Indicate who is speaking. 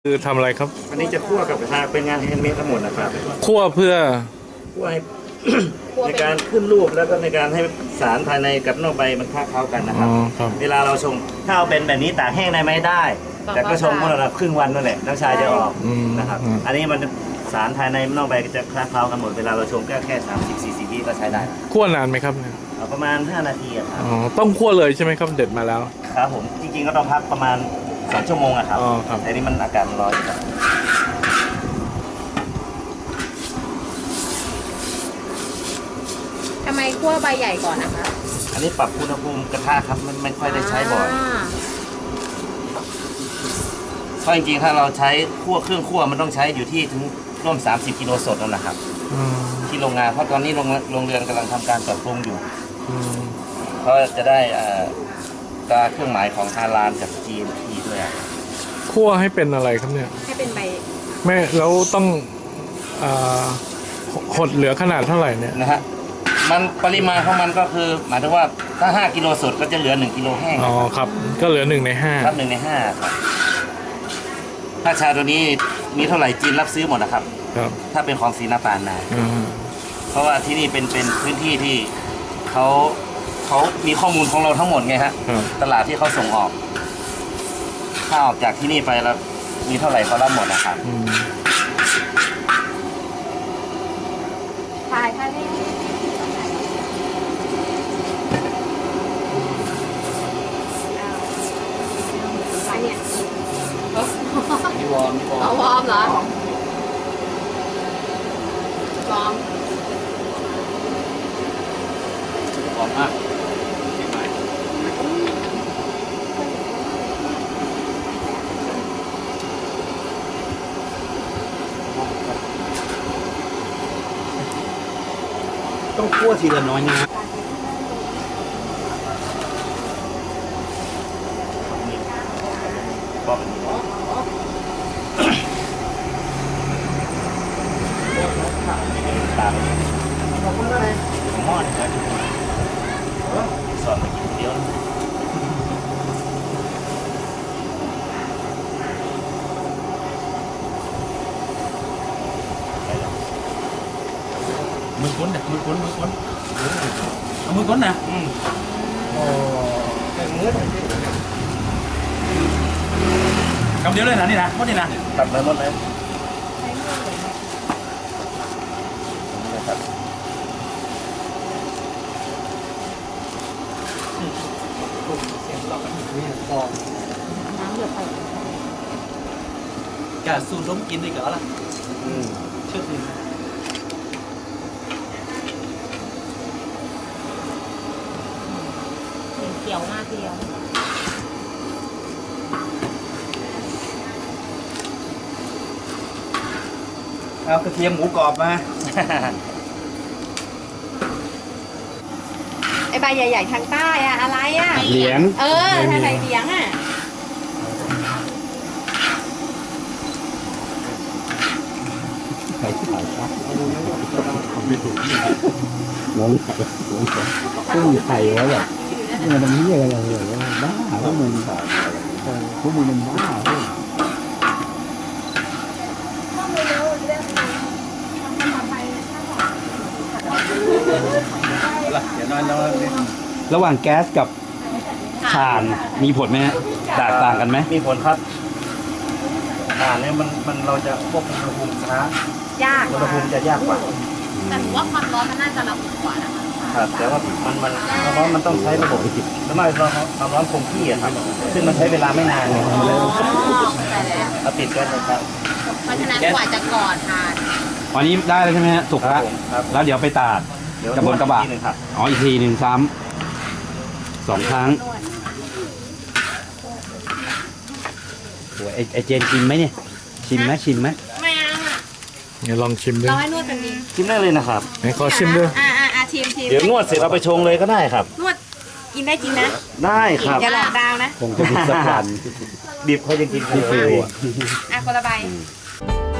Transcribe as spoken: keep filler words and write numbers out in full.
Speaker 1: คือทำอะไรครับ
Speaker 2: อันนี้จะคั่วกับกระทะเป็นงานแฮนด์เมดทั้งหมดนะครับ
Speaker 1: คั่วเพื่อ
Speaker 2: คั่วให้ ในการขึ้นรูปแล้วก็ในการให้สารภายในกับนอกใบมันคล้าเข้ากันนะครับเวลาเราชงถ้าเอาเป็นแบบนี้ตากแห้งได้ไหมได้ แต่ก็ชงเมื่อเราครึ่งวันนั่นแหละน้ำชาจะออกนะครับอันนี้มันสารภายในนอกใบจะคล้าเข้ากันหมดเวลาเราชงก็แค่สามสิบสี่สิบวิก็ใช้ได้
Speaker 1: คั่วนานไหมครับ
Speaker 2: ประมาณห้านาทีครับ
Speaker 1: อ๋อต้องคั่วเลยใช่ไหมครับเด็ดมาแล้ว
Speaker 2: ครับผมจริงๆก็ต้องพักประมาณสองชั่วโมงอะครับ
Speaker 1: อ๋อครับ
Speaker 2: แต่นี่มันอากาศมันร้อนครับ
Speaker 3: ทำไมคั่วใบใหญ่ก่อนนะคะ
Speaker 2: อันนี้ปรับอุณหภูมิกระทะครับมันไม่ค่อยได้ใช้บ่อยเพราะจริงๆถ้าเราใช้คั่วเครื่องคั่วมันต้องใช้อยู่ที่ถึงร่วมสามสิบกิโลสดนั่นแหละครับที่โรงงานเพราะตอนนี้โรงโรงเรือนกำลังทำการปรับปรุงอยู่เขาจะได้ตราเครื่องหมายของฮาลาลจาก จี เอ็ม พี ด้วย
Speaker 1: คั่วให้เป็นอะไรครับเนี่ย
Speaker 3: ให้เป็นใบ
Speaker 1: แม่แล้วต้องหดเหลือขนาดเท่าไหร่เนี่ย
Speaker 2: นะฮะมันปริมาณของมันก็คือหมายถึงว่าถ้าห้ากิโลสดก็จะเหลือหนึ่งกิโลแห้ง
Speaker 1: อ๋อครับก็เหลือหนึ่งในห้า
Speaker 2: ครับหนึ่งในห้าครับถ้าชาตัวนี้มีเท่าไหร่จีนรับซื้อหมดนะครับ
Speaker 1: ครับ
Speaker 2: ถ้าเป็นของศรีนาปานนาเพราะว่าที่นี่เป็นเป็นพื้นที่ที่เขาเขามีข้อมูลของเราทั้งหมดไงฮะตลาดที่เขาส่งออกถ้าออกจากที่นี่ไปแล้วมีเท่าไหร่เขารับหมดนะครับ
Speaker 3: ถ่ายค่ะนี่อันเนี้ย
Speaker 2: มีวอร์มมีวอร์ม
Speaker 3: เอาวอร์มเหรอวอร์ม
Speaker 2: วอร์มมากต้องคั่วทีละน้อยนะก็ตามหม้อนี่ครับสอนมากินเดียว
Speaker 4: มือก้นนะมือก้นมือก้นเอามือก้นนะ
Speaker 2: อืมโอ้เป็นมือ
Speaker 4: คำเดียวเลยนะนี่นะหมดนี่นะ
Speaker 2: ตัดเลยหมดเลยครับ
Speaker 3: น้ำเดือดไป
Speaker 4: กาสูดล้มกินดีกว่าล่ะเชื่อถือ
Speaker 3: เขียวมากทีเดียว
Speaker 2: เอากระเทียมหมูกรอบมา
Speaker 3: ไอใบใหญ่ๆทางใต้อะอะไรอะ
Speaker 2: เหลียง
Speaker 3: เออทางไหนเหลียงอะ
Speaker 2: ไข่ไข่ครับไม่ถูกงงไข่งงไข่กุ้งไข่แล้วแบบเนี่ยมันนี่อะไรอย่างเงี้ยบ้าพวกมึงพวกมึงมันบ้าระหว่างแก๊สกับถ่านมีผลไหมฮะแตกต่างกันไหมมีผลครับถ่านเนี่ยมันมันเราจะควบคุมอุณหภูมิช้ายากอุณหภูมิจะยากกว่า
Speaker 3: แต่ถือว่าความร้อนมันน่าจะระอุกว่านะคะ
Speaker 2: ครับแต่ว่ามันมันความร้อนมันต้องใช้ระบบแล้วไม่ร้อนความร้อนคงที่อะครับซึ่งมันใช้เวลาไม่นานเลยเราปิดแก๊สเลยครับ
Speaker 3: เพราะฉะนั้นกว่าจะก่อทาน
Speaker 5: วันนี้ได้แล้วใช่ไหมฮะสุกแล้วแล้วเดี๋ยวไปตากกับบนกระบะอ๋ออีกทีหนึ่งซ้ำสองครั้งโอ้ยไอเจนชิมไหมเนี่ยชิมไหมชิมไหม
Speaker 3: ไม่เอาอ่ะ
Speaker 1: เดี๋ยวลองชิมด้วย
Speaker 3: เราให้นวดกันดี
Speaker 2: ชิมได้เลยนะครับ
Speaker 1: ไหนขอชิมด้วย
Speaker 3: อ่าอ่าอ่าชิมชิม
Speaker 2: เดี๋ยวนวดเสร็จเอาไปชงเลยก็ได้ครับ
Speaker 3: นวดกินได้จริงนะ
Speaker 2: ได้ครับ
Speaker 3: อย่าหลอกดาวนะ
Speaker 5: คงจะมีสักวัน
Speaker 2: ดิบเขายังกิน
Speaker 5: ไม่เฟล
Speaker 3: อ่ะคนละใบ